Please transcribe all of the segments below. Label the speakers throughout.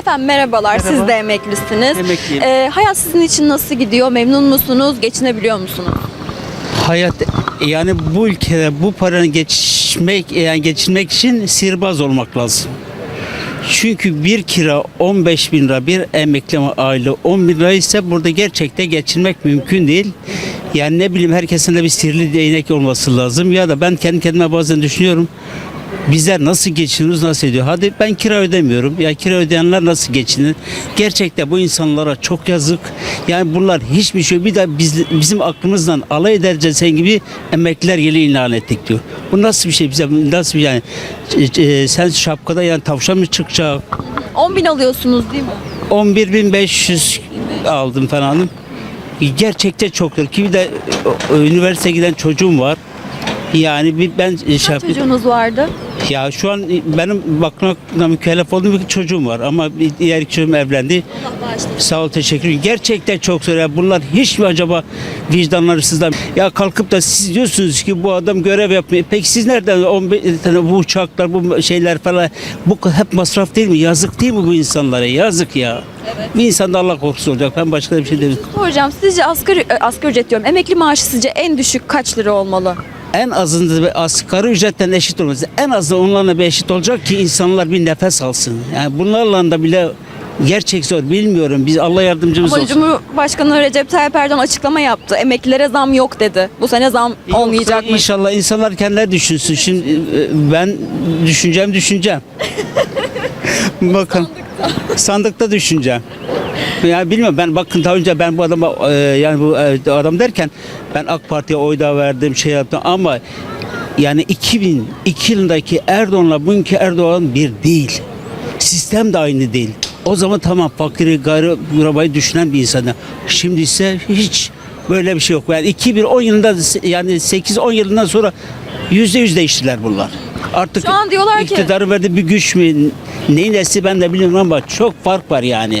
Speaker 1: Efendim merhabalar.
Speaker 2: Merhaba.
Speaker 1: Siz de emeklisiniz.
Speaker 2: Emekliyim.
Speaker 1: Hayat sizin için nasıl gidiyor? Memnun musunuz? Geçinebiliyor musunuz?
Speaker 2: Hayat yani bu ülkede bu paranın geçinmek için sihirbaz olmak lazım. Çünkü bir kira 15 bin lira, bir emekli aile 10 bin lira ise burada gerçekten geçinmek mümkün değil. Yani ne bileyim herkesin de bir sihirli değnek olması lazım. Ya da ben kendi kendime bazen düşünüyorum. Bizler nasıl geçiniyoruz, nasıl ediyor? Hadi ben kira ödemiyorum. Ya kira ödeyenler nasıl geçinir? Gerçekten bu insanlara çok yazık. Yani bunlar hiçbir şey. Bir de bizim aklımızdan alay edercesen gibi emekliler yılı ilan ettik diyor. Bu nasıl bir şey? Bize nasıl bir yani? Sen şapkada yani tavşan mı çıkacak?
Speaker 1: 10 bin alıyorsunuz değil mi?
Speaker 2: 11.500 aldım falan. Gerçekten çoktur. Ki bir de üniversiteye giden çocuğum var. Yani ben
Speaker 1: Kaç çocuğunuz vardı?
Speaker 2: ya şu an benim bakmakla mükellef olduğum bir çocuğum var ama bir diğer iki çocuğum evlendi. Sağ ol, teşekkür ederim. Gerçekten çok zor. Ya bunlar hiç mi acaba vicdanları sızlar? Ya kalkıp da siz diyorsunuz ki bu adam görev yapmıyor. Peki siz nereden 15 tane bu uçaklar, bu şeyler falan bu hep masraf değil mi? Yazık değil mi bu insanlara? Yazık ya. Evet. Bir insanda Allah korkusu olacak. Ben başka bir şey demiyorum.
Speaker 1: Hocam sizce asgari ücret diyorum. Emekli maaşı sizce en düşük kaç lira olmalı?
Speaker 2: En azından asgari ücretten eşit olması. En azından onlarla bir eşit olacak ki insanlar bir nefes alsın. Yani bunlarla da bile gerçek zor. Bilmiyorum. Biz Allah yardımcımız
Speaker 1: Ama
Speaker 2: olsun.
Speaker 1: Cumhurbaşkanı Recep Tayyip Erdoğan açıklama yaptı. Emeklilere zam yok dedi. Bu sene zam olmayacakmış.
Speaker 2: İnşallah insanlar kendileri düşünsün. Şimdi ben düşüneceğim. Bakın sandıkta düşüneceğim. Ya bilmiyorum ben bakın daha önce ben bu adama yani bu adam derken ben AK Parti'ye oy da verdim şey yaptım ama yani 2002 yılındaki Erdoğan'la bugünkü Erdoğan bir değil. Sistem de aynı değil. O zaman tamam fakiri garibayı düşünen bir insanı. Şimdi ise hiç böyle bir şey yok. Yani 2010 yılında yani 8-10 yılından sonra %100 değiştiler bunlar. Artık
Speaker 1: Şu an diyorlar ki
Speaker 2: iktidarı verdi bir güç mü neyin nesi ben de bilmiyorum ama çok fark var yani.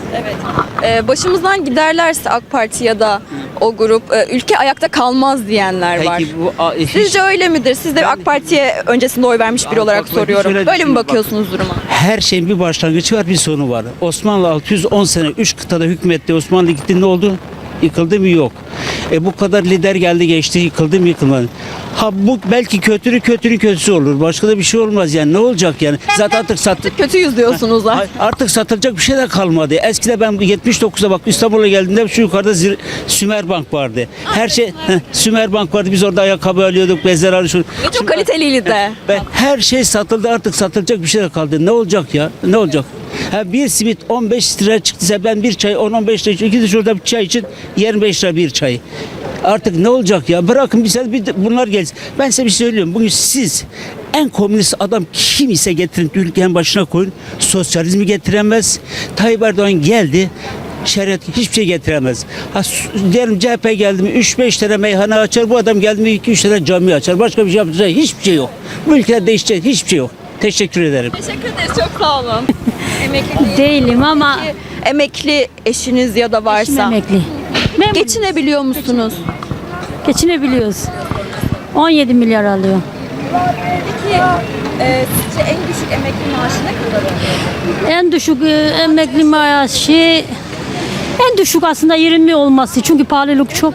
Speaker 1: başımızdan giderlerse AK Parti ya da o grup ülke ayakta kalmaz diyenler var.
Speaker 2: Peki bu
Speaker 1: Sizce öyle midir? Siz de AK Parti'ye öncesinde oy vermiş biri olarak soruyorum. Böyle mi bakıyorsunuz duruma?
Speaker 2: Her şeyin bir başlangıcı var, bir sonu var. Osmanlı 610 sene 3 kıtada hükmetti. Osmanlı gitti ne oldu? Yıkıldı mı? Yok. Bu kadar lider geldi geçti yıkıldı mı yıkılmadı. Ha bu belki kötünün kötüsü olur. Başka da bir şey olmaz yani. Ne olacak yani? Zaten artık
Speaker 1: Kötüyüz diyorsunuz da.
Speaker 2: Artık satılacak bir şey de kalmadı. Eskide ben 79'da bak İstanbul'a geldiğimde şu yukarıda Sümer Bank vardı. Her şey Sümer Bank vardı. Biz orada ayakkabı alıyorduk, bezler alıyorduk.
Speaker 1: Çok kaliteliydi de.
Speaker 2: Her şey satıldı artık satılacak bir şey de kaldı. Ne olacak ya? Ne olacak? Bir simit 15 lira çıktıysa ben bir çay 10-15 lira için iki de şurada bir çay için 25 lira bir çay. Artık ne olacak ya? Bırakın bunlar gelsin. Ben size bir şey söylüyorum. Bugün siz en komünist adam kim ise getirin ülkenin başına koyun. Sosyalizmi getiremez. Tayyip Erdoğan geldi. Şeriat hiçbir şey getiremez. Diyelim CHP geldi mi 3-5 tane meyhane açar. Bu adam geldi mi 2-3 tane cami açar. Başka bir şey yapacak hiçbir şey yok. Bu ülkede değişecek hiçbir şey yok. Teşekkür ederim.
Speaker 1: Teşekkür ederiz. Çok sağ olun. Emekli
Speaker 3: Değilim ama
Speaker 1: emekli eşiniz ya da varsa.
Speaker 3: eşim emekli. Memnunum.
Speaker 1: Geçinebiliyor musunuz?
Speaker 3: Geçinebiliyoruz. 17 milyar alıyor.
Speaker 1: Peki sizce en düşük emekli maaşı ne kadar?
Speaker 3: En düşük emekli maaşı en düşük aslında 20 olması. Çünkü pahalılık çok.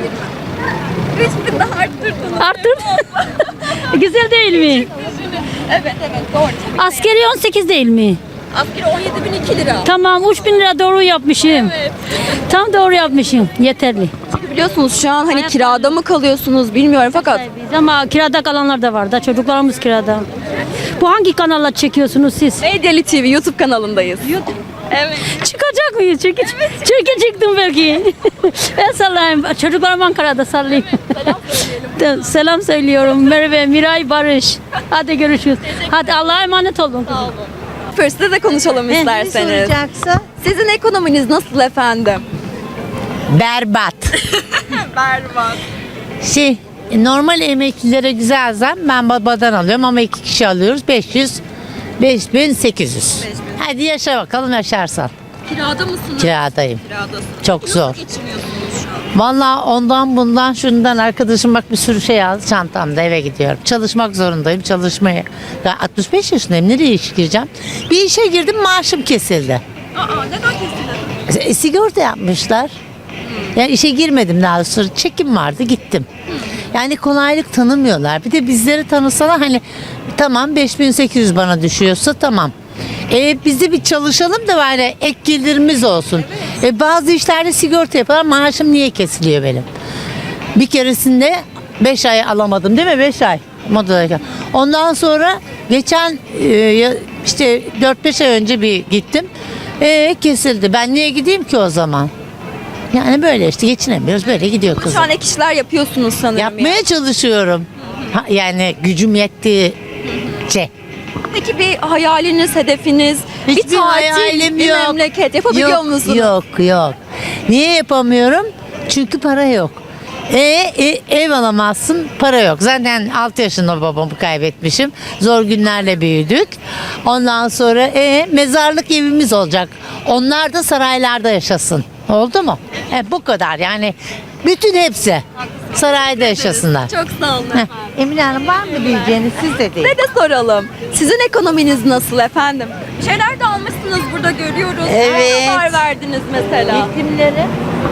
Speaker 1: Hiçbir daha arttırdınız.
Speaker 3: Arttır. Güzel değil mi?
Speaker 1: Evet doğru.
Speaker 3: Askeri 18 değil mi?
Speaker 1: Askeri 17.002 lira.
Speaker 3: Tamam 3.000 lira doğru yapmışım.
Speaker 1: Evet.
Speaker 3: Tam doğru yapmışım. Yeterli.
Speaker 1: Biliyorsunuz şu an hani kirada mı kalıyorsunuz bilmiyorum fakat
Speaker 3: Ama kirada kalanlar da var da çocuklarımız kirada. Bu hangi kanalla çekiyorsunuz siz?
Speaker 1: Medyali TV YouTube kanalındayız. Evet.
Speaker 3: Çıkacak mıyız? Çünkü çıktım belki. Ben sallayayım. Çocuklarım Ankara'da sallayayım. Selam söylüyorum. Merve, Miray, Barış. Hadi görüşürüz. Hadi Allah'a emanet olun.
Speaker 1: Sağ olun. Size de konuşalım isterseniz.
Speaker 4: Soracaksa
Speaker 1: Sizin ekonominiz nasıl efendim?
Speaker 4: berbat.
Speaker 1: Berbat.
Speaker 4: Normal emeklilere güzel zam. Ben babadan alıyorum ama 2 kişi alıyoruz. 5800. Hadi yaşa bakalım yaşarsan.
Speaker 1: Kirada mısınız?
Speaker 4: Kiradayım.
Speaker 1: Kiradasınız.
Speaker 4: Çok zor.
Speaker 1: Nasıl geçiniyorsunuz şu an?
Speaker 4: Vallahi ondan bundan şundan arkadaşım bak bir sürü şey aldı çantamda eve gidiyorum. Çalışmak zorundayım çalışmaya. Ya 65 yaşındayım nereye iş gireceğim? Bir işe girdim maaşım kesildi.
Speaker 1: Neden kesildi?
Speaker 4: Sigorta yapmışlar. Yani işe girmedim daha sonra çekim vardı gittim. Yani kolaylık tanımıyorlar. Bir de bizleri tanısalar hani tamam 5800 bana düşüyorsa tamam. Biz de bir çalışalım da böyle ek gelirimiz olsun. Bazı işlerde sigorta yapıyorlar. Maaşım niye kesiliyor benim? Bir keresinde 5 ay alamadım değil mi? 5 ay modadayken. Ondan sonra geçen işte 4-5 ay önce bir gittim. Kesildi. Ben niye gideyim ki o zaman? Yani böyle işte geçinemiyoruz. Böyle gidiyor
Speaker 1: Şu
Speaker 4: kızım.
Speaker 1: an ek işler yapıyorsunuz sanırım.
Speaker 4: Yapmaya çalışıyorum. Yani gücüm yettiğince.
Speaker 1: Peki bir hayaliniz, hedefiniz, bir
Speaker 4: Hiçbir
Speaker 1: tatil,
Speaker 4: hayalim
Speaker 1: bir
Speaker 4: yok.
Speaker 1: memleket yapabiliyor
Speaker 4: Yok,
Speaker 1: musunuz?
Speaker 4: Yok. Niye yapamıyorum? Çünkü para yok. Ev alamazsın, para yok. Zaten 6 yaşında babamı kaybetmişim. Zor günlerle büyüdük. Ondan sonra mezarlık evimiz olacak. Onlar da saraylarda yaşasın. Oldu mu? Bu kadar yani. Bütün hepsi sarayda yaşasınlar.
Speaker 1: Çok sağ olun
Speaker 4: Heh.
Speaker 1: efendim.
Speaker 4: Emine Hanım var mı diyeceğiniz siz de değil.
Speaker 1: Size de soralım. Sizin ekonominiz nasıl efendim? Bir şeyler de almışsınız burada görüyoruz.
Speaker 5: Evet.
Speaker 1: Ne kadar verdiniz mesela?
Speaker 4: Eğitimleri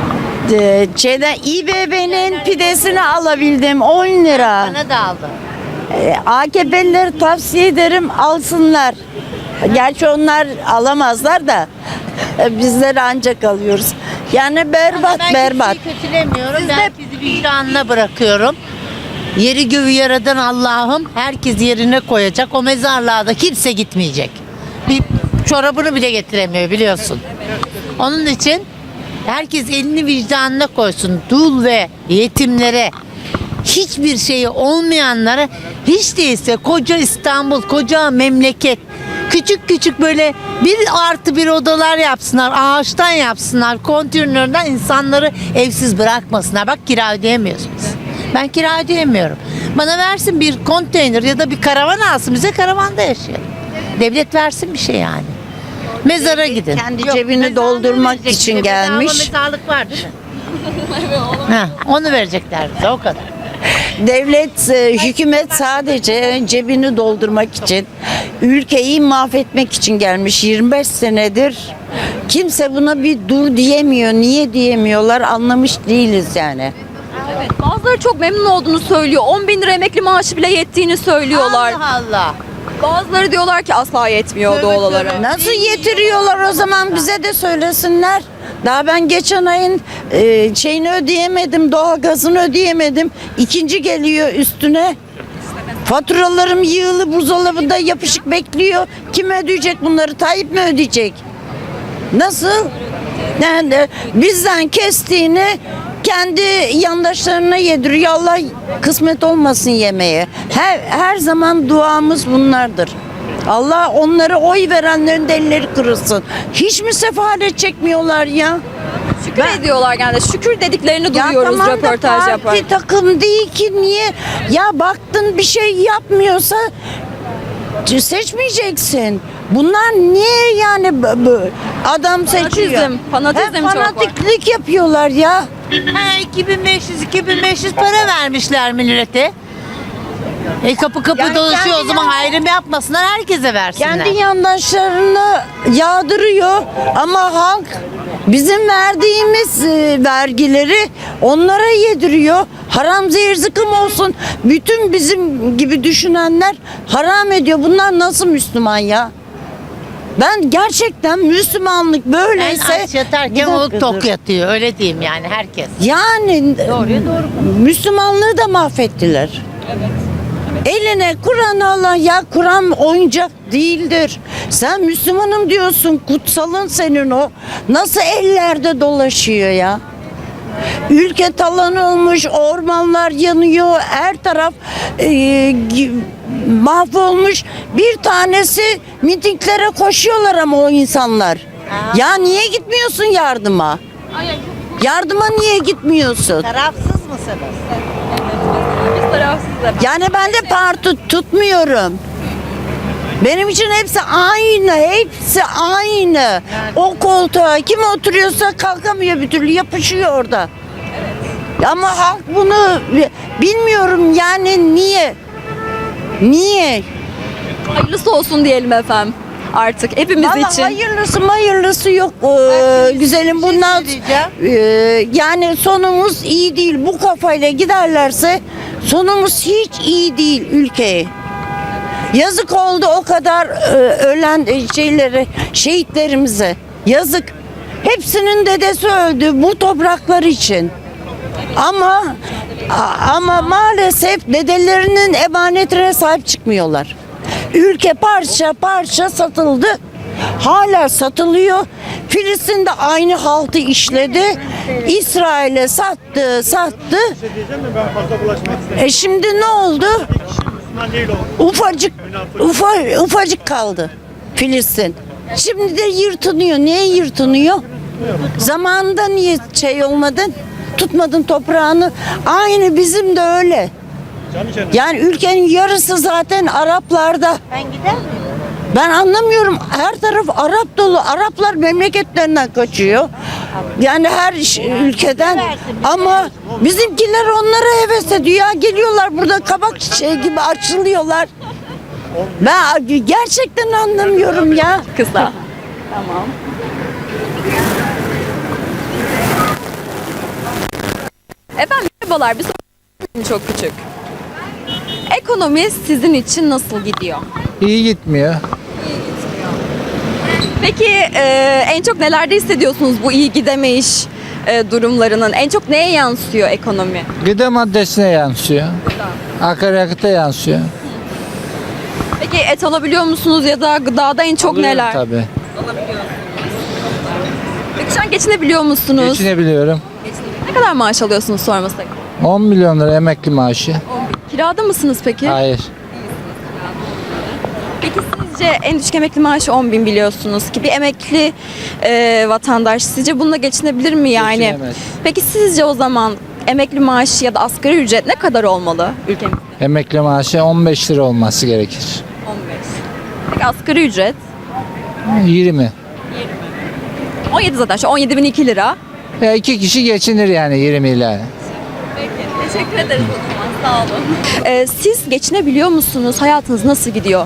Speaker 5: İBB'nin pidesini alabildim 10 lira.
Speaker 4: bana da aldı.
Speaker 5: AKP'lileri tavsiye ederim alsınlar. Gerçi onlar alamazlar da bizler ancak alıyoruz. Yani berbat
Speaker 4: Ben
Speaker 5: berbat.
Speaker 4: kimseyi kötülemiyorum.
Speaker 5: Siz
Speaker 4: Ben
Speaker 5: de-
Speaker 4: sizi vicdanına bırakıyorum. Yeri göğü yaradan Allah'ım herkes yerine koyacak. O mezarlığa da kimse gitmeyecek. Bir çorabını bile getiremiyor biliyorsun. Onun için herkes elini vicdanına koysun. Dul ve yetimlere, hiçbir şeyi olmayanlara, hiç değilse koca İstanbul, koca memleket, küçük küçük böyle 1+1 odalar yapsınlar, ağaçtan yapsınlar, konteynerden insanları evsiz bırakmasınlar. Bak kira ödeyemiyorsunuz. Ben kira ödeyemiyorum. Bana versin bir konteyner ya da bir karavan alsın, bize karavanda yaşayalım. Devlet versin bir şey yani. Mezara gidin.
Speaker 5: kendi
Speaker 4: Yok,
Speaker 5: cebini
Speaker 4: mezarlığı
Speaker 5: doldurmak
Speaker 4: verecek
Speaker 5: için
Speaker 4: bize. Bedava
Speaker 5: gelmiş.
Speaker 4: mezarlık var değil mi? Onu verecekler bize o kadar.
Speaker 5: Devlet, hükümet sadece cebini doldurmak için, ülkeyi mahvetmek için gelmiş 25 senedir. Kimse buna bir dur diyemiyor. Niye diyemiyorlar anlamış değiliz yani.
Speaker 1: Evet, bazıları çok memnun olduğunu söylüyor. 10.000 lira emekli maaşı bile yettiğini söylüyorlar.
Speaker 4: Allah Allah.
Speaker 1: Bazıları diyorlar ki asla yetmiyor doğal olarak.
Speaker 5: Nasıl yetiriyorlar o zaman bize de söylesinler. Daha ben geçen ayın şeyini ödeyemedim, doğalgazını ödeyemedim. İkinci geliyor üstüne. Faturalarım yığılı buzdolabında yapışık bekliyor. Kim ödeyecek bunları? Tayyip mi ödeyecek? Nasıl? Yani bizden kestiğini kendi yandaşlarına yediriyor. Allah kısmet olmasın yemeye. Her zaman duamız bunlardır. Allah onlara oy verenlerin de elleri kırılsın. Hiç mi sefalet çekmiyorlar ya?
Speaker 1: Şükür ediyorlar genelde. Şükür dediklerini
Speaker 5: Ya
Speaker 1: duyuyoruz
Speaker 5: tamam da
Speaker 1: röportaj
Speaker 5: parti
Speaker 1: yaparken.
Speaker 5: takım değil ki niye? Ya baktın bir şey yapmıyorsa seçmeyeceksin. Bunlar niye yani adam seçiyor?
Speaker 1: Fanatizm çok var.
Speaker 5: fanatiklik yapıyorlar ya.
Speaker 4: 2500 para vermişler millete. Kapı
Speaker 5: Yani
Speaker 4: dolaşıyor o
Speaker 5: kendi
Speaker 4: zaman
Speaker 5: yan-
Speaker 4: ayrım yapmasınlar herkese versinler.
Speaker 5: Kendi yandaşlarını yağdırıyor ama halk bizim verdiğimiz vergileri onlara yediriyor. Haram zehir zıkkım olsun. Bütün bizim gibi düşünenler haram ediyor. Bunlar nasıl Müslüman ya? Ben gerçekten Müslümanlık
Speaker 4: En
Speaker 5: böyleyse
Speaker 4: aç yatarken
Speaker 5: Bir
Speaker 4: o
Speaker 5: dakika
Speaker 4: tok
Speaker 5: dur.
Speaker 4: yatıyor öyle diyeyim yani herkes.
Speaker 5: Yani
Speaker 4: Doğruya doğru.
Speaker 5: Müslümanlığı da mahvettiler. Eline Kur'an alan ya Kur'an oyuncak değildir. Sen Müslümanım diyorsun kutsalın senin o. Nasıl ellerde dolaşıyor ya? Ülke talan olmuş, ormanlar yanıyor, her taraf mahvolmuş. Bir tanesi mitinglere koşuyorlar ama o insanlar. Ya niye gitmiyorsun yardıma? Yardıma niye gitmiyorsun?
Speaker 4: Tarafsız mısınız?
Speaker 1: Biz tarafsızız efendim.
Speaker 5: Yani ben de parti tutmuyorum. Benim için hepsi aynı, hepsi aynı. O koltuğa kim oturuyorsa kalkamıyor bir türlü, yapışıyor orada. Ama halk bunu bilmiyorum yani niye? Niye?
Speaker 1: Hayırlısı olsun diyelim efendim. Artık hepimiz
Speaker 5: Vallahi
Speaker 1: için.
Speaker 5: hayırlısı yok güzelim bundan yani sonumuz iyi değil, bu kafayla giderlerse sonumuz hiç iyi değil ülkeye. Yazık oldu o kadar ölen şehitlerimize, yazık. Hepsinin dedesi öldü bu topraklar için. Ama maalesef dedelerinin emanetine sahip çıkmıyorlar. Ülke parça parça satıldı. Hala satılıyor. Filistin de aynı haltı işledi. İsrail'e sattı. Şimdi ne oldu? Ufacık kaldı Filistin. Şimdi de yırtınıyor. Niye yırtınıyor? Zamanında niye olmadın? Tutmadın toprağını. Aynı bizim de öyle. Yani ülkenin yarısı zaten Araplarda. Ben gider miyim? Ben anlamıyorum. Her taraf Arap dolu. Araplar memleketlerinden kaçıyor. Yani her ülkeden. Ama bizimkiler onlara heves ediyor. Ya geliyorlar burada kabak çiçeği gibi açılıyorlar. Ben gerçekten anlamıyorum ya.
Speaker 1: Kısa. Tamam. Efendim merhabalar. Bir sorum çok küçük. Ekonomi sizin için nasıl gidiyor?
Speaker 6: İyi gitmiyor.
Speaker 1: Peki en çok nelerde hissediyorsunuz bu iyi gidemeyiş durumlarının? En çok neye yansıyor ekonomi?
Speaker 6: Gıda maddesine yansıyor. Akaryakıta yansıyor.
Speaker 1: Peki et alabiliyor musunuz ya da gıdada en çok
Speaker 6: Alıyorum
Speaker 1: neler?
Speaker 6: Tabii.
Speaker 1: Peki şu an geçinebiliyor musunuz?
Speaker 6: Geçinebiliyorum.
Speaker 1: Ne kadar maaş alıyorsunuz sormasak?
Speaker 6: 10 milyon lira emekli maaşı.
Speaker 1: Kirada mısınız peki?
Speaker 6: Hayır.
Speaker 1: Peki sizce en düşük emekli maaşı 10.000 biliyorsunuz ki bir emekli vatandaş sizce bununla geçinebilir mi yani?
Speaker 6: Geçinemez.
Speaker 1: Peki sizce o zaman emekli maaşı ya da asgari ücret ne kadar olmalı ülkemizde?
Speaker 6: Emekli maaşı 15 lira olması gerekir.
Speaker 1: 15. Peki asgari ücret?
Speaker 6: 20.
Speaker 1: 17 zaten şu 17.002 lira.
Speaker 6: Ya 2 kişi geçinir yani 20 ile.
Speaker 1: Peki teşekkür ederiz o zaman sağ olun. Siz geçinebiliyor musunuz? Hayatınız nasıl gidiyor?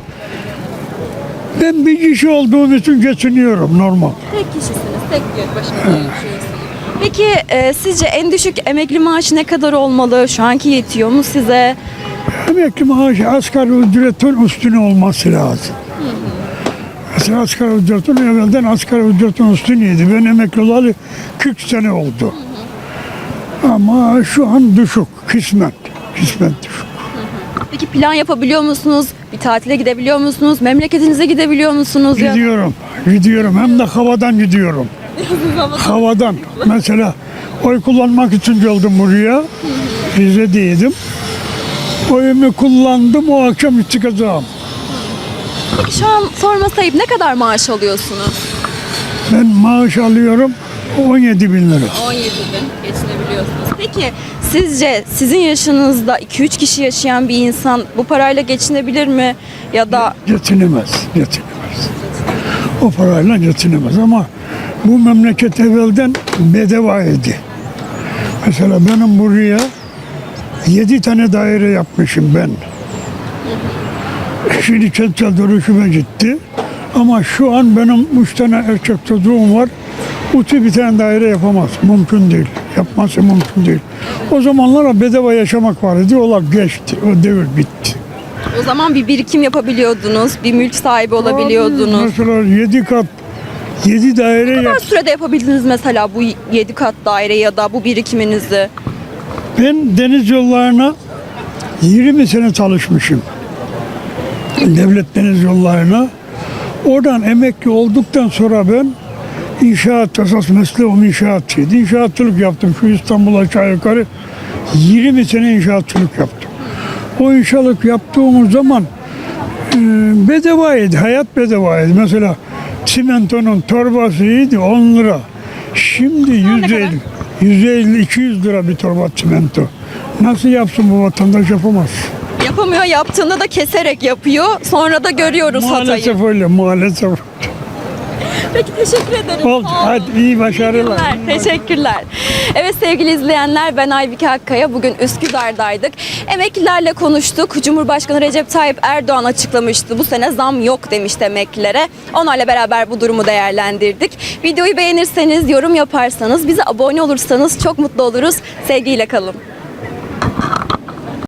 Speaker 7: Ben bir kişi olduğum için geçiniyorum normal.
Speaker 1: Tek kişisiniz, tek bir başınıza yaşıyorsunuz. Peki sizce en düşük emekli maaşı ne kadar olmalı? Şu anki yetiyor mu size?
Speaker 7: Emekli maaşı asgari ücretin üstüne olması lazım. Mesela asgari ücretin evvelden asgari ücretin üstüneydi. Ben emekli olalı 40 sene oldu. Ama şu an düşük, kısmen düşük.
Speaker 1: Peki plan yapabiliyor musunuz? Bir tatile gidebiliyor musunuz? Memleketinize gidebiliyor musunuz? Ya?
Speaker 7: Gidiyorum hem de havadan gidiyorum. Havadan. Mesela oy kullanmak için geldim buraya. Rize'deydim. Oyumu kullandım, o akşam çıkacağım.
Speaker 1: Peki şu an sorması ayıp ne kadar maaş alıyorsunuz?
Speaker 7: Ben maaş alıyorum 17 bin lira.
Speaker 1: 17 bin geçinebiliyorsunuz. Peki sizce sizin yaşınızda 2-3 kişi yaşayan bir insan bu parayla geçinebilir mi? Ya da
Speaker 7: Geçinemez. O parayla geçinemez ama bu memleket evvelden bedavaydı. Mesela benim buraya 7 tane daire yapmışım ben. Şimdi kentsel dönüşüme gitti. Ama şu an benim 3 tane erkek çocuğum var. Uti bir tane daire yapamaz. Mümkün değil. Yapması mümkün değil. O zamanlara bedava yaşamak vardı. Ola geçti. O devir bitti.
Speaker 1: o zaman bir birikim yapabiliyordunuz, bir mülk sahibi olabiliyordunuz.
Speaker 7: Mesela 7 kat 7 daire
Speaker 1: Ne kadar
Speaker 7: yap.
Speaker 1: sürede yapabildiniz mesela bu 7 kat daire ya da bu birikiminizi?
Speaker 7: Ben deniz yollarına 20 sene çalışmışım. Devlet deniz yollarına. Oradan emekli olduktan sonra ben inşaat, esas mesleğim inşaatçıydı. İnşaatçılık yaptım. Şu İstanbul'a aşağı yukarı 20 sene inşaatçılık yaptım. O inşaatçılık yaptığımız zaman bedavaydı, hayat bedavaydı. Mesela çimentonun torbasıydı 10 lira. Şimdi 150-200 lira bir torba çimento. Nasıl yapsın bu vatandaş, yapamaz.
Speaker 1: Yapamıyor, yaptığında da keserek yapıyor. Sonra da görüyoruz hatayı.
Speaker 7: Maalesef öyle, maalesef.
Speaker 1: Peki teşekkür ederim.
Speaker 7: Oldu.
Speaker 1: Sağ olun.
Speaker 7: Hadi iyi başarılar.
Speaker 1: Teşekkürler. Evet sevgili izleyenler, ben Aybike Akkaya. Bugün Üsküdar'daydık. Emeklilerle konuştuk. Cumhurbaşkanı Recep Tayyip Erdoğan açıklamıştı. Bu sene zam yok demişti emeklilere. Onlarla beraber bu durumu değerlendirdik. Videoyu beğenirseniz, yorum yaparsanız, bize abone olursanız çok mutlu oluruz. Sevgiyle kalın.